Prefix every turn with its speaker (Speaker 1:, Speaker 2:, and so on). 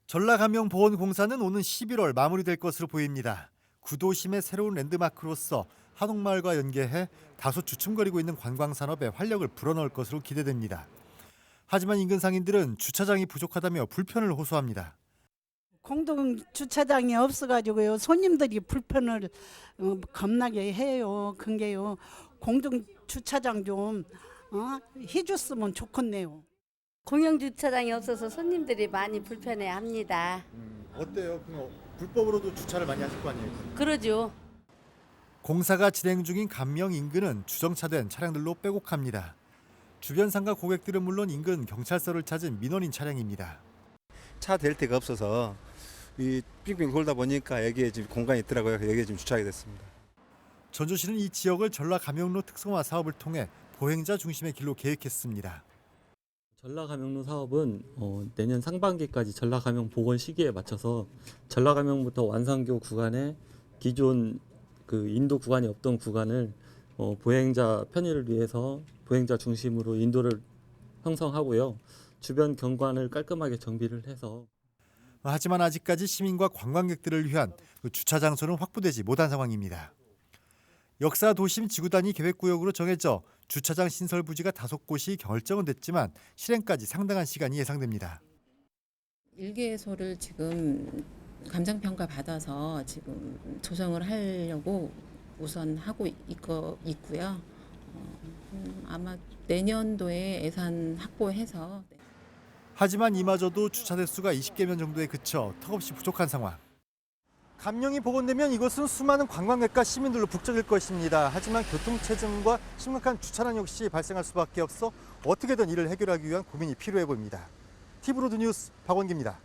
Speaker 1: 전라감영보건공사는 오는 11월 마무리될 것으로 보입니다. 구도심의 새로운 랜드마크로서 한옥마을과 연계해 다소 주춤거리고 있는 관광산업에 활력을 불어넣을 것으로 기대됩니다. 하지만 인근 상인들은 주차장이 부족하다며 불편을 호소합니다.
Speaker 2: 공동 주차장이 없어가지고요. 손님들이 불편을 겁나게 해요. 근게요. 공동 주차장 좀 해줬으면 좋겠네요.
Speaker 3: 공영 주차장이 없어서 손님들이 많이 불편해합니다.
Speaker 1: 어때요? 불법으로도 주차를 많이 하실 거 아니에요?
Speaker 3: 그러죠.
Speaker 1: 공사가 진행 중인 감명 인근은 주정차된 차량들로 빼곡합니다. 주변 상가 고객들은 물론 인근 경찰서를 찾은 민원인 차량입니다.
Speaker 4: 차 댈 데가 없어서 이 빙빙 돌다 보니까 여기에 지금 공간이 있더라고요. 여기에 지금 주차하게 됐습니다.
Speaker 1: 전주시는 이 지역을 전라감영로 특성화 사업을 통해 보행자 중심의 길로 계획했습니다.
Speaker 5: 전라감영로 사업은 내년 상반기까지 전라감영 복원 시기에 맞춰서 전라감영부터 완산교 구간에 기존 그 인도 구간이 없던 구간을 보행자 편의를 위해서 보행자 중심으로 인도를 형성하고요. 주변 경관을 깔끔하게 정비를 해서
Speaker 1: 하지만 아직까지 시민과 관광객들을 위한 주차 장소는 확보되지 못한 상황입니다. 역사 도심 지구단위 계획구역으로 정해져 주차장 신설 부지가 5곳이 결정은 됐지만 실행까지 상당한 시간이 예상됩니다.
Speaker 6: 일개소를 지금 감정평가 받아서 지금 조정을 하려고 우선 하고 있고요. 아마 내년도에 예산 확보해서.
Speaker 1: 하지만 이마저도 주차 대수가 20개면 정도에 그쳐 턱없이 부족한 상황. 감령이 복원되면 이곳은 수많은 관광객과 시민들로 북적일 것입니다. 하지만 교통체증과 심각한 주차난 역시 발생할 수밖에 없어 어떻게든 이를 해결하기 위한 고민이 필요해 보입니다. TV로드 뉴스 박원기입니다.